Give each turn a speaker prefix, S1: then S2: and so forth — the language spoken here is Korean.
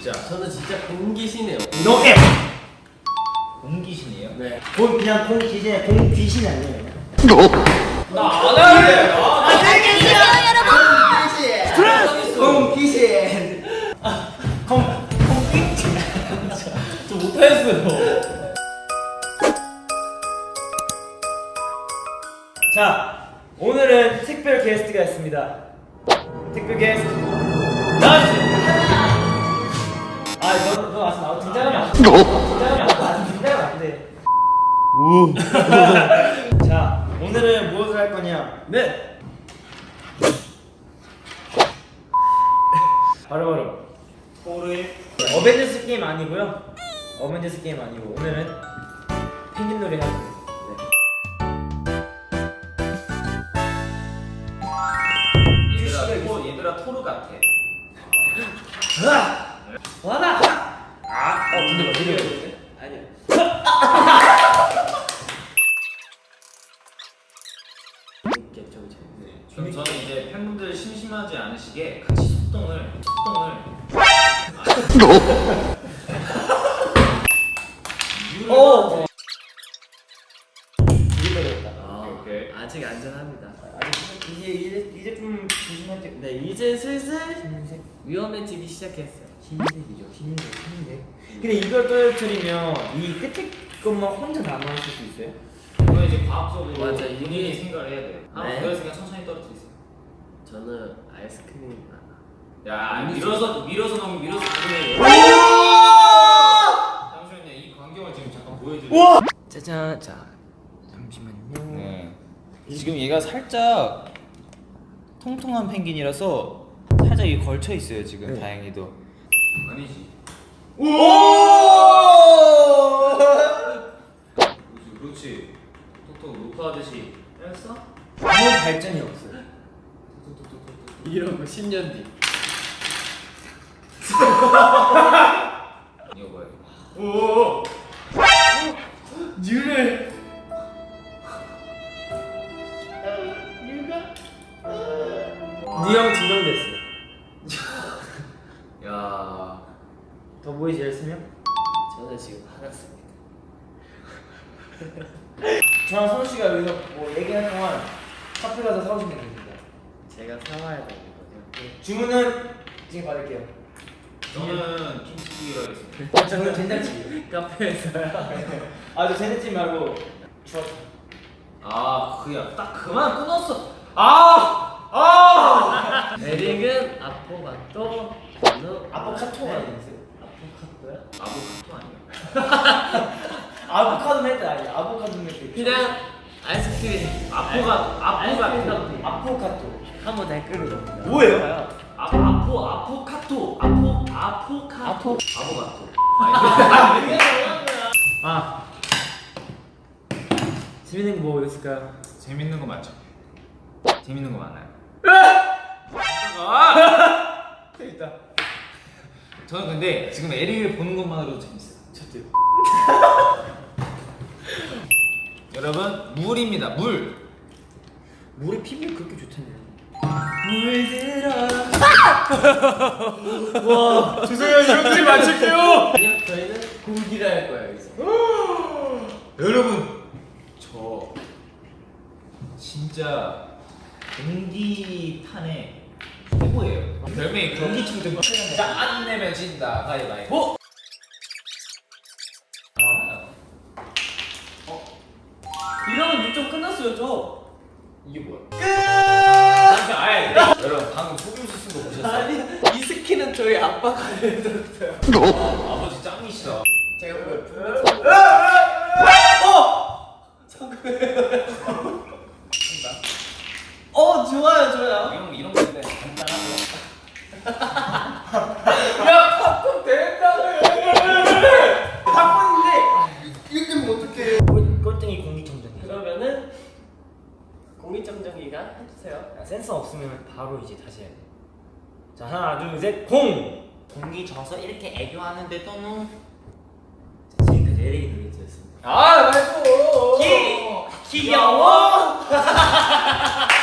S1: 진짜.
S2: 저는 진짜 공기시네요.
S3: 노에
S1: 공기신이에요?
S2: 네.
S3: 그냥 공 귀신이 공 귀신 아니에요?
S1: 나안 할래.
S4: 안녕히 계세요, 여러분.
S3: 공 귀신. 공 귀신.
S2: 저 못하겠어요.
S3: 자, 오늘은 특별 게스트가 있습니다. 특별 게스트 나와주세요. 너 와서 나와 등장하면 안 돼. 등장하면 안 돼. 자, 오늘은 무엇을 할 거냐?
S2: 네.
S3: 바로 어벤져스 게임 아니고요. 어벤져스 게임 아니고 오늘은 펭귄 놀이 할 거예요.
S1: 얘들아 토르 같아.
S3: 와라.
S2: 근데 막 이래요. 아니요. 이렇게 좀 재밌네.
S1: 그럼 저는 이제 팬분들 심심하지 않으시게 같이 속동을
S3: 오. 이게 되겠다.
S1: 오케이.
S2: 아직 안전합니다.
S3: 이제 좀 조심할게.
S2: 네, 이제 슬슬 위험해지기 시작했어요.
S3: 흰색이죠. 흰색. 근데 이걸 떨어뜨리면 이 끝에 것만 혼자 남아있을 수 있어요?
S1: 이거 이제 과학적으로
S2: 맞아,
S1: 본인이
S2: 이게-
S1: 생각을 해야 돼.
S2: 네.
S1: 그래서 천천히 떨어뜨리세요
S2: 저는 아이스크림
S1: 야 밀어서 넣으면 나중에. 잠시만요. 이 광경을 지금 잠깐 보여드릴게요.
S2: 짜잔. 자,
S3: 잠시만요.
S1: 네. 지금 얘가 살짝 통통한 펭귄이라서 살짝 이 걸쳐 있어요 지금.
S3: 네.
S1: 다행히도. 아니지.
S3: 오!
S1: 그렇지. 톡톡 녹화하듯이. 했어?
S3: 아무 발전이 없어요.
S2: 이런 거 10년 뒤.
S1: 이거 뭐야?
S3: 오! 뉴를 니형 증명됐어요.
S1: 야.
S3: 더 보이지 않으면?
S2: 저는 지금 화났습니다.
S3: 저랑 선우 씨가 여기서 뭐 얘기하는 동안 카페 가서 사오시면 됩니다.
S2: 제가 사와야 되거든요.
S3: 주문은 지금 받을게요.
S1: 저는 김치찌개로 하겠습니다.
S3: 저는 된장찌개.
S2: 카페에서요.
S3: 저 된장찌개 말고 주웠.
S1: 그야 딱 그만 끊었어.
S2: 에릭은 아포가토.
S3: 아보카토가 있어요.
S2: 아포카토야?
S1: 아보카도 아니야?
S3: 아보카도 멘트 아니야. 아보카도 멘트.
S2: 그냥 아이스크림.
S1: 아포카토.
S3: 아포카토.
S2: 한번 댓글을 넣습니다.
S3: 뭐예요?
S1: 아포카토. 아보카토.
S3: 재밌는 거 뭐 있을까요?
S1: 재밌는 거 맞죠? 재밌는 거 많아요.
S3: 재밌다.
S1: 저는 근데 지금 에릭을 보는 것만으로도 재밌어요.
S3: 저도요.
S1: 여러분 물입니다. 물.
S3: 물에 피부에 그렇게 좋다네요. 와, 죄송해요. 이것들이 맞출게요.
S2: 아니요, 저희는 고기를 할 거예요, 여기서.
S1: 여러분 저 진짜 공기탄의 최고예요. 별명이 공기청정. 안 내면 진다. 가위바위보.
S2: 이러면 일정 끝났어요, 저.
S1: 이게 뭐야?
S2: 아니,
S1: 여러분 방금 속임수 쓴 거 보셨어요?
S2: 아니, 이 스킨은 저희 아빠가 해줬어요.
S1: 아버지 짱이시다.
S2: 제가 그걸 좋아요, 좋아요.
S1: 이런 거 있네. 간단하고.
S2: 야, 팝콘 된다며!
S3: 팝콘인데 이거 때문에 어떡해? 꼴등이 공기청정기.
S2: 그러면은 공기청정기가 해주세요.
S3: 센서 없으면 바로 이제 다시 해야 돼. 자, 하나, 둘, 셋, 공!
S1: 공기 져서 이렇게 애교하는데 또는
S3: 지금까지 에릭이 놀이였습니다.
S1: 말고
S3: 귀여워!